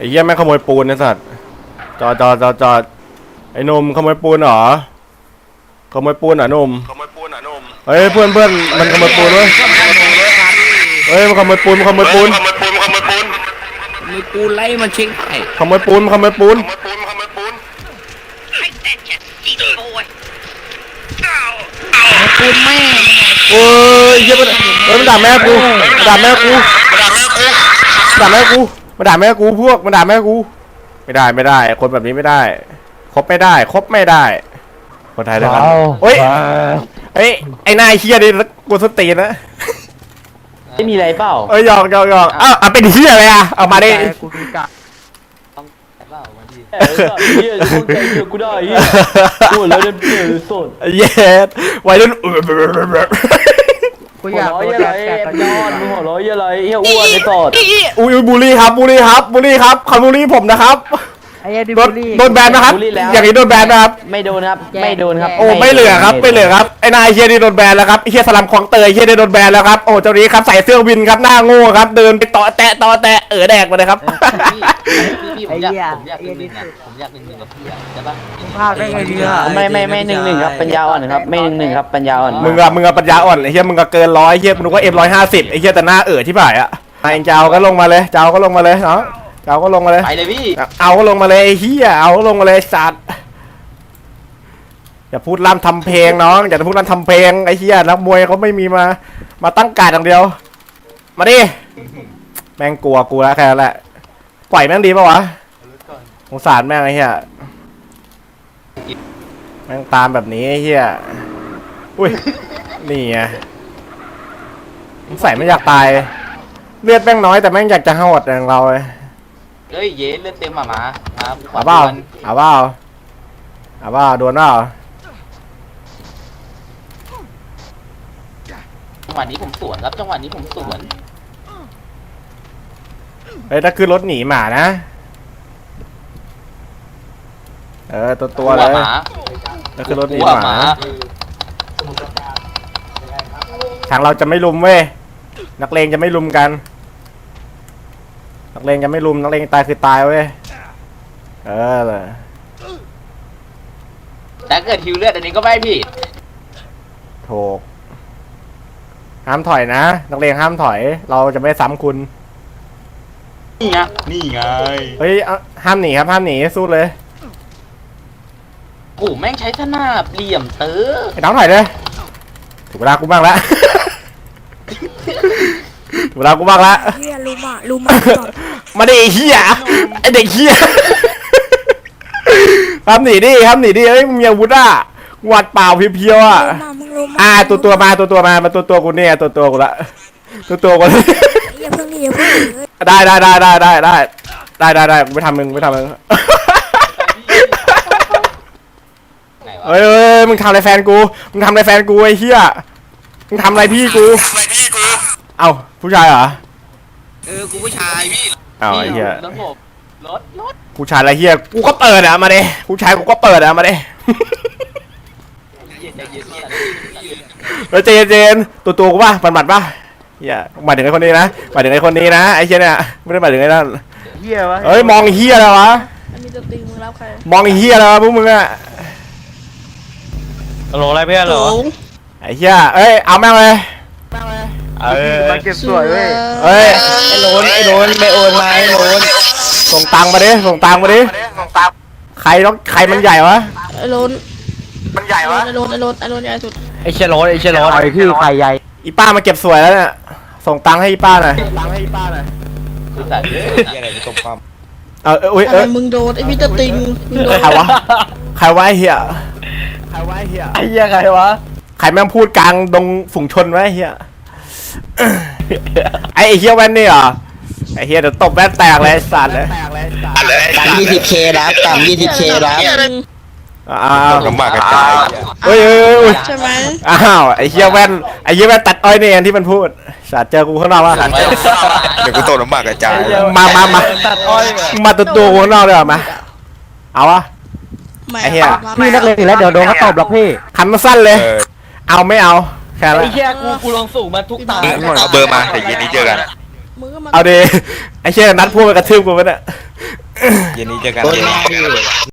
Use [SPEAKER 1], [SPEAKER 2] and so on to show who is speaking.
[SPEAKER 1] เหี้ยแม่งขโมยปูนไอ้สัตว์จอดไอ้หนุ่มขโมยปูนเหรอขโมยปูนเหรอหนุ่มเฮ้ยเพื่อนมันขโมยปูนเว้ยเฮ้ยมันขโมยปูน
[SPEAKER 2] มือกูไล่มันเช็คให้
[SPEAKER 1] ขโมยปูน
[SPEAKER 2] ไอ้แต่จะจีโอ้ยปูนแม่
[SPEAKER 1] โอ้ยเหี้ยมันด่าแม่กูด่าแม่กูมันด่าแม่กูพวกมันด่าแม่กูไม่ได้คนแบบนี้ไม่ได้คบไม่ได้คนไทยด้วยกันเฮ้ยไอ้นายเฮียดิกูสตินะ
[SPEAKER 3] ไม่มีอะไรเปล่า
[SPEAKER 1] หยอกอ้าวเป็นเฮียอะไรอ่ะเอามาดิ
[SPEAKER 3] กูดูกะต้องเปล่ามาดิเฮียจะใจเฮียกูได้เฮียกูแล้วเดินเปลี่ยนสด
[SPEAKER 1] เย็ดวัยรุ่น
[SPEAKER 3] กูอยากโดนแต่ยอดมึงหัวร้อยอะไรเฮียอ้วนไอ้สด
[SPEAKER 1] อุ้ยบูลลี่ครับเขาบูลลี่ผมนะครับโดนแบนนะครับอย่างนี้โดนแบนนะครับ
[SPEAKER 3] ไม่โดนครับ
[SPEAKER 1] โอ้ไม่เหลือครับไอ้นายเฮียนี่โดนแบนแล้วครับไอ้เฮียสลัมคลองเตยเฮียนี่โดนแบนแล้วครับโอ้เจ้านี้ครับใส่เสื้อวินครับหน้าโง่ครับเดินไปต่อแตะแดกมาเลยครับ
[SPEAKER 4] พี่ผมอยากหนึ่งกับพี่อ่ะใช่ปะ
[SPEAKER 3] ภาพได้ไงดีอ่ะไม่1-1ครับปัญญาอ่อนครับไม่1-1ครับปัญญาอ่อน
[SPEAKER 1] มึงอะปัญญาอ่อนไอ้เฮียมึงก็เกิน100เฮียมึงนึกว่าM150ไอ้เฮียแต่หน้าที่บ่ายอะไอ้เจ้าก็ลงมาเลยเนาะเจ้าก็ลงมาเลย
[SPEAKER 4] ไปเลยพี่
[SPEAKER 1] เอาก็ลงมาเลยไอ้เฮียเอาก็ลงมาเลยสัตว์อย่าพูดล่ำทำเพลงน้องอย่าพูดล่ำทำเพลงไอ้เฮียนักมวยเขาไม่มีมาตั้งการอย่างเดียวมาดิแม่งกลัวกูแล้วแค่นั้นแหละปล่อยแม่งดีป่าวะสงสารแม่งไอ้เฮียแม่งตามแบบนี้ไอ้เฮียอุ้ยนี่ไงใส่ไม่อยากตายเลือดแม่งน้อยแต่แม่งอยากจะหดอย่างเราเลย
[SPEAKER 4] เฮ้ยเย็นเลือดเต็มมา
[SPEAKER 1] เอาเปล่าโดนเปล่า
[SPEAKER 4] จังหวะนี้ผมสวน
[SPEAKER 1] เฮ้ยถ้าขึ้นรถหนีหมานะตัวเลยถ้าขึ้นรถหนีหมาทางเราจะไม่ลุมเว้ยนักเลงจะไม่ลุมกันนักเลงตายคือตายเว้ย
[SPEAKER 4] แต่เกิดฮิวเลือดอันนี้ก็ไม่ผิด
[SPEAKER 1] ถูกห้ามถอยนะนักเลงห้ามถอยเราจะไม่ซ้ำคุณ
[SPEAKER 4] นี่ไง
[SPEAKER 1] เฮ้ยห้ามหนีครับห้ามหนีสู้เลย
[SPEAKER 4] กูแม่งใช้สนาบเหลี่ยมเต๋อ
[SPEAKER 1] ไอ้น้องถอยเลยถูกเวลากูบ้างแล้วเวลากูบ้างละ
[SPEAKER 5] เฮียรู้มา
[SPEAKER 1] มาดิเฮียไอเด็กเฮียทำหนีดิเฮ้ยมึงมีอาวุธอ่ะวัดเปล่าเพียวๆอ่ะตัวมาตัวกูเนี่ยตัวกูละตัวกู
[SPEAKER 5] อย่าเพิ่ง
[SPEAKER 1] ได้กูไม่ทำมึงเฮ้ยมึงทำอะไรแฟนกูไอ้เฮียมึงทำอะไรพี่กูเอ้าผู้ชายเหรอ
[SPEAKER 4] กูผู้ชายพี่
[SPEAKER 1] เอ้าไอ้เหี้ย
[SPEAKER 4] รถ
[SPEAKER 1] ผู้ชายอะไรเหี้ยกูก็เปิดอะมาดิผู้ชายกูก็เปิดอะมาดิใจเย็นตัวกูป่ะบัดป่ะเหี้ยหมายถึงไอ้คนนี้นะไอ้เหี้ยเนี่ยไม่ได้หมายถึงไอ้นั่น
[SPEAKER 3] เหี้ยวะ
[SPEAKER 1] เฮ้ยมองเหี้ยอะไรวะ
[SPEAKER 5] มีตัวตีมึงรับใคร
[SPEAKER 1] มองเหี้ยอะไรวะพวกมึงอะ
[SPEAKER 3] โหลอะไรเพื่อนเหรอ
[SPEAKER 1] ไอ้เหี้ยเอาแม่งเลย
[SPEAKER 3] มาเก็บสวยเว้ย
[SPEAKER 1] ไอ้โลนไม่โอนมาไอ้โลนส่งตังมาดิใครมันใหญ่วะ
[SPEAKER 5] ไอ้โลนมันใหญ่วะไอ้โลนใหญ่สุด
[SPEAKER 3] ไอ้เชลโลนไอ้พี่ใครใหญ่
[SPEAKER 1] อีป้ามาเก็บสวยแล้วเนี่ยส่งตังให้อีป้าหน่อย
[SPEAKER 4] คือแต่เยอะอะไรตกความ
[SPEAKER 5] มึงโดนไอ้พี่ตะติง
[SPEAKER 1] ใครวะไอ้เหี้ย
[SPEAKER 3] ใครวะ
[SPEAKER 1] ใครแม่งพูดกลางดงฝูงชนไว้เฮียไอ้เฮียแว่นนี่เหรอไอ้เฮียเดี๋ยวตบแว่นแตกเลยสัตว์เลย
[SPEAKER 3] ต่ำ 20K แล้วต่ำ 20K แล้ว
[SPEAKER 1] ลำบากกระจายเฮ้ย
[SPEAKER 5] ใช่ไหม
[SPEAKER 1] ไอ้เฮียแว่นตัดอ้อยเนี่ยที่มันพูดสัตว์เจอกูข้างนอกวะ
[SPEAKER 6] เดี๋ยวกูตกลำบากกระจาย
[SPEAKER 1] มา
[SPEAKER 3] ตัดอ้อย
[SPEAKER 1] มาตัวข้างนอกเลยมาเอาวะไอ้เฮีย
[SPEAKER 3] พี่นักเลงแล้วเดี๋ยวโดนเขาตบหรอกพี่
[SPEAKER 1] คันมาสั้นเลยเอาไม่เอาแค่นั้น
[SPEAKER 3] ไอ้เหี้ยกูลองสูงมาทุกตา
[SPEAKER 6] เอาเบอร์มาแต่เย็นนี้เจอกัน
[SPEAKER 1] เอาดิไอ้เชี่ยนัดพูดไปกระทืบกูไปเนี่ย
[SPEAKER 6] เย็นนี้เจอกัน
[SPEAKER 5] โดนแม่ดิ